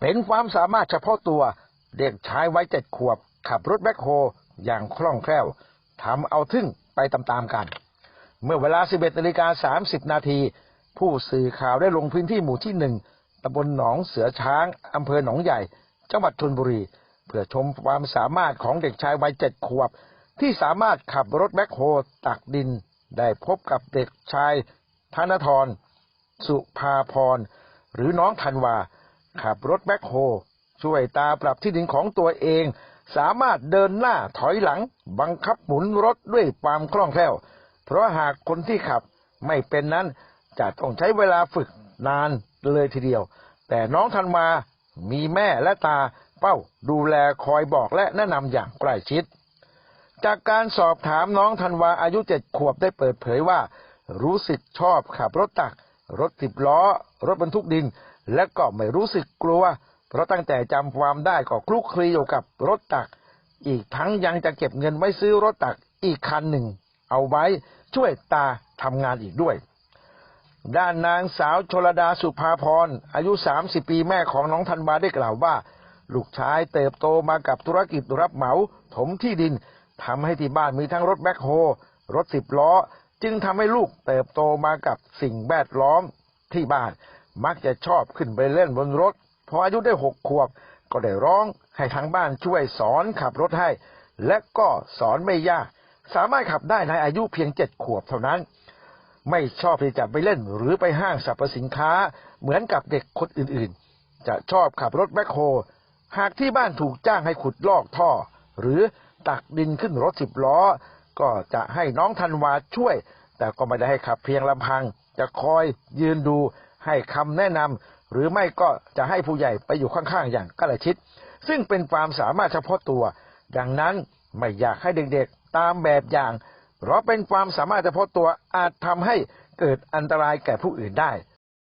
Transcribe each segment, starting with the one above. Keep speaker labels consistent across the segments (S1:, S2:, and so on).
S1: เป็นความสามารถเฉพาะตัวเด็กชายวัย7 ขวบขับรถแบ็คโฮอย่างคล่องแคล่วทำเอาทึ่งไปตามๆกันเมื่อเวลา 11:30 นาทีผู้สื่อข่าวได้ลงพื้นที่หมู่ที่ 1ตำบลหนองเสือช้างอำเภอหนองใหญ่จังหวัดชลบุรีเพื่อชมความสามารถของเด็กชายวัย7 ขวบที่สามารถขับรถแบ็คโฮตักดินได้พบกับเด็กชายธนทรสุภาพรหรือน้องธันวาขับรถแบ็คโฮช่วยตาปรับที่ดินของตัวเองสามารถเดินหน้าถอยหลังบังคับหมุนรถด้วยความคล่องแคล่วเพราะหากคนที่ขับไม่เป็นนั้นจะต้องใช้เวลาฝึกนานเลยทีเดียวแต่น้องธันวามีแม่และตาเป้าดูแลคอยบอกและแนะนำอย่างใกล้ชิดจากการสอบถามน้องธันวาอายุ7 ขวบได้เปิดเผยว่ารู้สึกชอบขับรถตักรถ10 ล้อรถบรรทุกดินและก็ไม่รู้สึกกลัวเพราะตั้งแต่จำความได้ก็คลุกคลีอยู่กับรถตักอีกทั้งยังจะเก็บเงินไว้ซื้อรถตักอีกคันหนึ่งเอาไว้ช่วยตาทำงานอีกด้วยด้านนางสาวชลดาสุภาพรอายุ30 ปีแม่ของน้องธันวาได้กล่าวว่าลูกชายเติบโตมากับธุรกิจรับเหมาถมที่ดินทำให้ที่บ้านมีทั้งรถแบ็คโฮรถ10 ล้อจึงทำให้ลูกเติบโตมากับสิ่งแวดล้อมที่บ้านมักจะชอบขึ้นไปเล่นบนรถพออายุได้6 ขวบก็ได้ร้องให้ทางบ้านช่วยสอนขับรถให้และก็สอนไม่ยากสามารถขับได้ในอายุเพียง7 ขวบเท่านั้นไม่ชอบที่จะไปเล่นหรือไปห้างสรรพสินค้าเหมือนกับเด็กคนอื่นๆจะชอบขับรถแบ็คโฮหากที่บ้านถูกจ้างให้ขุดลอกท่อหรือตักดินขึ้นรถ10 ล้อก็จะให้น้องธันวาช่วยแต่ก็ไม่ได้ให้ขับเพียงลำพังจะคอยยืนดูให้คำแนะนำหรือไม่ก็จะให้ผู้ใหญ่ไปอยู่ข้างๆอย่างใกล้ชิดซึ่งเป็นความสามารถเฉพาะตัวดังนั้นไม่อยากให้เด็กๆตามแบบอย่างเพราะเป็นความสามารถเฉพาะตัวอาจทำให้เกิดอันตรายแก่ผู้อื่นได้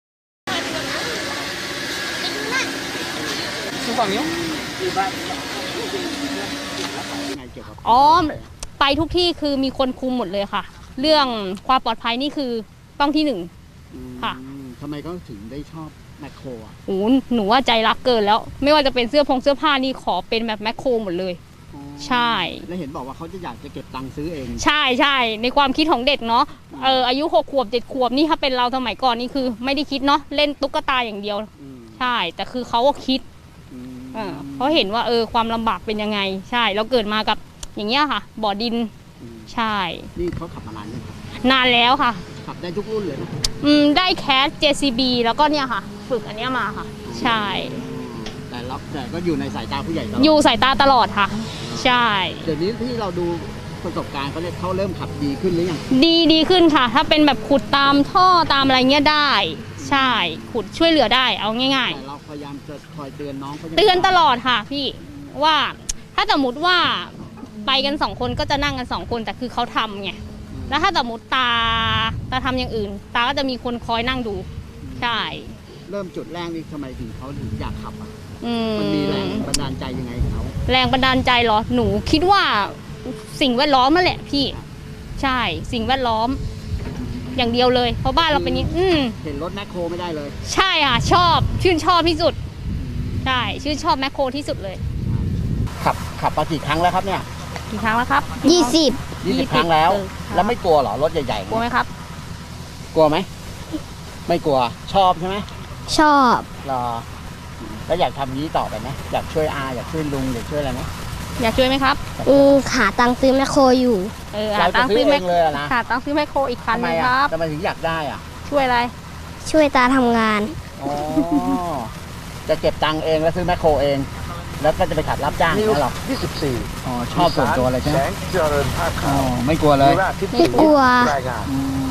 S2: อ๋อไปทุกที่คือมีคนคุมหมดเลยค่ะเรื่องความปลอดภัยนี่คือต้องที่1ค่ะ
S3: ทำไมก็ถึงได้ชอบแมคโครอ่ะ
S2: โอ้หนูว่าใจรักเกินแล้วไม่ว่าจะเป็นเสื้อผ้านี่ขอเป็นแบบแมคโครหมดเลยใช่
S3: แล้วเห็นบอกว่าเขาจะอยากจะเก็บตังค์ซื้อเอง
S2: ใช่ในความคิดของเด็กเนาะอายุ6 ขวบ7 ขวบนี่ถ้าเป็นเราสมัยก่อนนี่คือไม่ได้คิดเนาะเล่นตุ๊กตาอย่างเดียวใช่แต่คือเขาก็คิดเขาเห็นว่าความลำบากเป็นยังไงใช่เราเกิดมากับอย่างเงี้ยค่ะบ่อดินใช่
S3: นี่เขาขับมานานยัง
S2: นานแล้วค่ะ
S3: ขับได้ทุกรุ่นเลยนะ
S2: ได้แคส JCB แล้วก็เนี่ยค่ะฝึกอันเนี้ยมาค่ะใช่
S3: แต่ก็อยู่ในสายตาผู้ใหญ่ตลอด
S2: อยู่สายตาตลอดค่ะใช่
S3: เดี๋ยวนี้ที่เราดูประสบการณ์เขาเริ่มขับดีขึ้นหรือยัง
S2: ดีขึ้นค่ะถ้าเป็นแบบขุดตามท่อตามอะไรเงี้ยได้ใช่ขุดช่วยเหลือได้เอาง่ายๆ
S3: แต่เราพยายามจะคอยเตือนน้อง
S2: เตือนตลอดค่ะพี่ว่าถ้าสมมติว่าไปกัน2 คนก็จะนั่งกัน2 คนแต่คือเขาทำไงแล้วถ้าสมมติตาทำอย่างอื่นตาก็จะมีคนคอยนั่งดูใช่
S3: เริ่มจุดแรกนี่ทำไมถึงเขาถึงอยากขับอ่ะมันมีแรงบันดาลใจยังไงเขา
S2: แรงบันดาลใจเหรอหนูคิดว่าสิ่งแวดล้อมนั่นแหละพี่ใช่สิ่งแวดล้อมอย่างเดียวเลยเพราะบ้านเราเป็นนี้
S3: เห็นรถแมคโครไม่ได้เลย
S2: ใช่ค่ะชื่นชอบที่สุดใช่ชื่นชอบแมคโครที่สุดเลย
S3: ขับมากี่ครั้งแล้วครับเนี่ย
S2: กี่ครั้งแล้วครับ
S3: 20 ครั้งแล้วไม่กลัวเหรอรถใหญ่ๆ
S2: กลัวไหมครับ
S3: กลัวไหมไม่กลัวชอบใช่ไหม
S4: ชอบ
S3: รอแล้วอยากทำนี้ต่อไปไหมอยากช่วยอยากช่วยลุงอยากช่วยอะไรไหม
S2: อยากช่วยไหมครับ
S4: หาตังค์ซื้อแมคโครอยู่
S3: หาตังค์ซื้อเองเลยนะ
S2: หาตังค์ซื้อแมคโครอีกคันนึงครับ
S3: ทำไมถึงอยากได้อ่ะ
S2: ช่วยอะไร
S4: ช่วยตาทำงาน
S3: จะเก็บตังค์เองแล้วซื้อแมคโครเองแล้วก็จะไปขับรับจ้างนั่นหรอ
S1: 24
S3: ชอบส่วนตัวเลยใช่ไหม
S1: แสงเจริญภาคขาว
S3: ไม่กลัวเลย
S4: ไม่กลัว